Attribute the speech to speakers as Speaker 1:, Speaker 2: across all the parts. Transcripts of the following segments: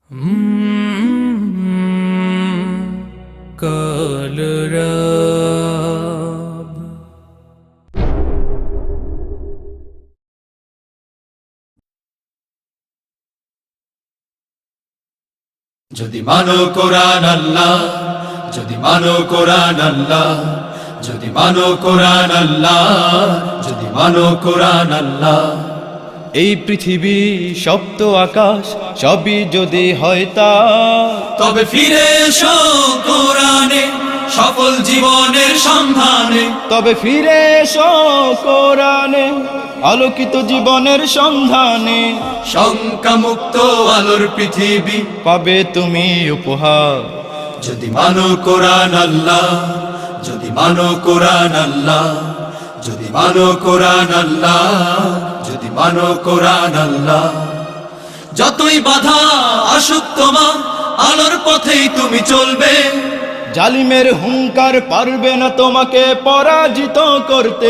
Speaker 1: কালরাব
Speaker 2: যদি মানো কোরআন আল্লাহ, যদি মানো কোরআন আল্লাহ, যদি মানো কোরআন আল্লাহ, যদি মানো কোরআন আল্লাহ।
Speaker 3: এই পৃথিবী সপ্ত আকাশ সবই যদি হয় তা,
Speaker 2: তবে ফিরে এসো কোরআনে, সফল জীবনের সন্ধানে।
Speaker 3: তবে ফিরে এসো কোরআনে, আলোকিত জীবনের সন্ধানে।
Speaker 2: শঙ্কামুক্ত আলোর পৃথিবী
Speaker 3: পাবে তুমি উপহার।
Speaker 2: যদি মানো কোরআন আল্লাহ, যদি মানো কোরআন আল্লাহ, যদি মানো কোরআন আল্লাহ, যদি মানো কোরআন আল্লাহ। যতই বাধা আসুক তোমার, আলোর পথেই তুমি চলবে।
Speaker 3: জালিমের হুঙ্কার পারবে না তোমাকে পরাজিত করতে।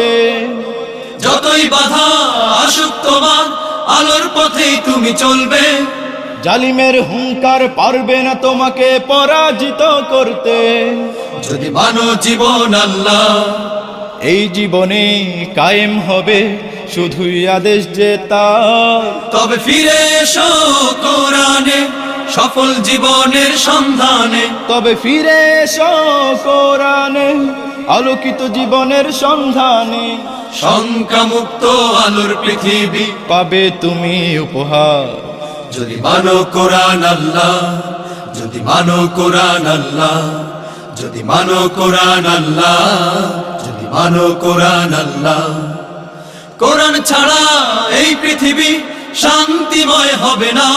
Speaker 2: যতই বাধা আসুক তোমার, আলোর পথেই তুমি চলবে।
Speaker 3: জালিমের হুঙ্কার পারবে না তোমাকে পরাজিত করতে।
Speaker 2: যদি মানো জীবন আল্লাহ,
Speaker 3: এই জীবনে কায়েম হবে শুধুই আদেশ যে তার।
Speaker 2: তবে ফিরে এসো কোরআনে, সফল জীবনের সন্ধানে।
Speaker 3: তবে ফিরে এসো কোরআনে, আলোকিত জীবনের সন্ধানে।
Speaker 2: শঙ্কামুক্ত আলোর পৃথিবী
Speaker 3: পাবে তুমি উপহার।
Speaker 2: যদি মানো কোরআন আল্লাহ, যদি মানো কোরআন আল্লাহ, যদি মানো কোরআন আল্লাহ, যদি মানো কোরআন আল্লাহ। কোরআন ছাড়া এই পৃথিবী শান্তিময় হবে না।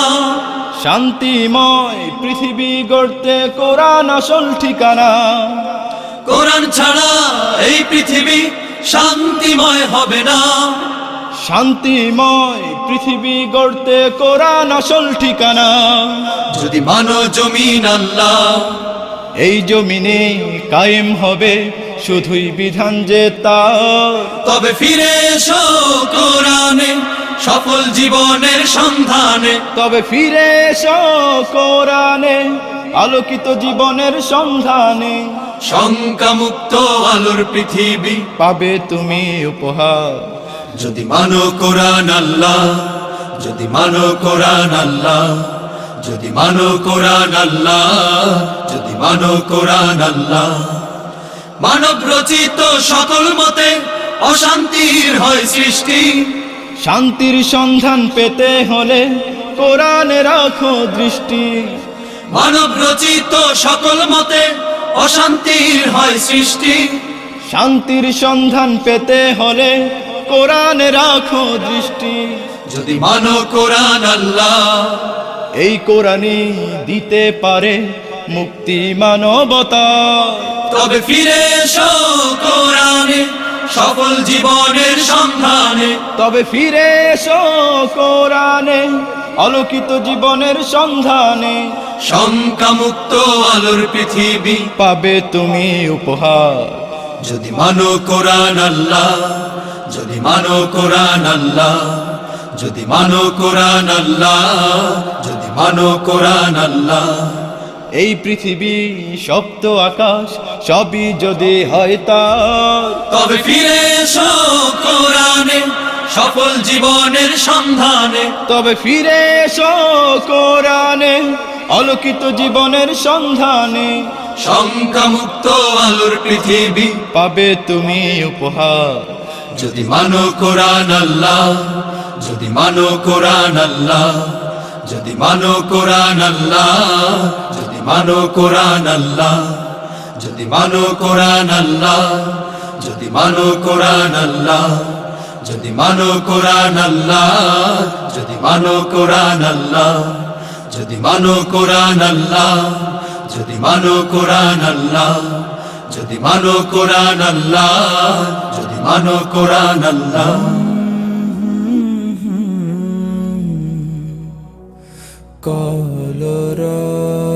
Speaker 3: শান্তিময় পৃথিবী গড়তে কোরআন আসল ঠিকানা।
Speaker 2: কোরআন ছাড়া এই পৃথিবী শান্তিময় হবে না।
Speaker 3: শান্তিময় পৃথিবী গড়তে কোরআন আসল ঠিকানা।
Speaker 2: যদি মানো জমিন আল্লাহ,
Speaker 3: এই জমিনে কায়েম হবে শুধুই বিধান যে তার।
Speaker 2: তবে ফিরে এসো কোরআনে, সফল জীবনের সন্ধানে।
Speaker 3: তবে ফিরে এসো কোরআনে, আলোকিত জীবনের সন্ধানে।
Speaker 2: শঙ্কামুক্ত আলোর পৃথিবী
Speaker 3: পাবে তুমি উপহার।
Speaker 2: যদি মানো কোরআন আল্লাহ, যদি মানো কোরআন আল্লাহ, যদি মানো কোরআন আল্লাহ, যদি মানো কোরআন আল্লাহ। মানব রচিত সকল মতে অশান্তির হয় সৃষ্টি।
Speaker 3: শান্তির সন্ধান পেতে হলে কোরআনে রাখো দৃষ্টি।
Speaker 2: মানব রচিত সকল মতে অশান্তির হয় সৃষ্টি।
Speaker 3: শান্তির সন্ধান পেতে হলে কোরআনে রাখো দৃষ্টি।
Speaker 2: যদি মানো কোরআন আল্লাহ,
Speaker 3: এই কোরআনই দিতে পারে মুক্তি মানবতা।
Speaker 2: তবে ফিরে এসো কোরআনে, সফল জীবনের সন্ধানে।
Speaker 3: তবে ফিরে এসো কোরআনে, আলোকিত জীবনের সন্ধানে।
Speaker 2: শঙ্কামুক্ত আলোর পৃথিবী
Speaker 3: পাবে তুমি উপহার।
Speaker 2: যদি মানো কোরআন আল্লাহ, যদি মানো কোরআন আল্লাহ, যদি মানো কোরআন আল্লাহ, যদি মানো কোরআন আল্লাহ।
Speaker 3: এই পৃথিবী সপ্ত আকাশ সবই যদি হয় তার।
Speaker 2: তবে ফিরে এসো কোরআনে, সফল জীবনের সন্ধানে।
Speaker 3: তবে ফিরে এসো কোরআনে, আলোকিত জীবনের সন্ধানে।
Speaker 2: শঙ্কামুক্ত আলোর পৃথিবী
Speaker 3: পাবে তুমি উপহার।
Speaker 2: যদি মানো কোরআন আল্লাহ, যদি মানো কোরআন আল্লাহ, যদি মানো কোরআন আল্লাহ, যদি মানো কোরআন আল্লাহ, যদি মানো কোরআন আল্লাহ, যদি মানো কোরআন আল্লাহ, যদি মানো কোরআন আল্লাহ, যদি মানো কোরআন আল্লাহ, যদি মানো কোরআন আল্লাহ, যদি মানো কোরআন আল্লাহ, যদি মানো কোরআন আল্লাহ, যদি মানো কোরআন আল্লাহ।
Speaker 1: কালরাব।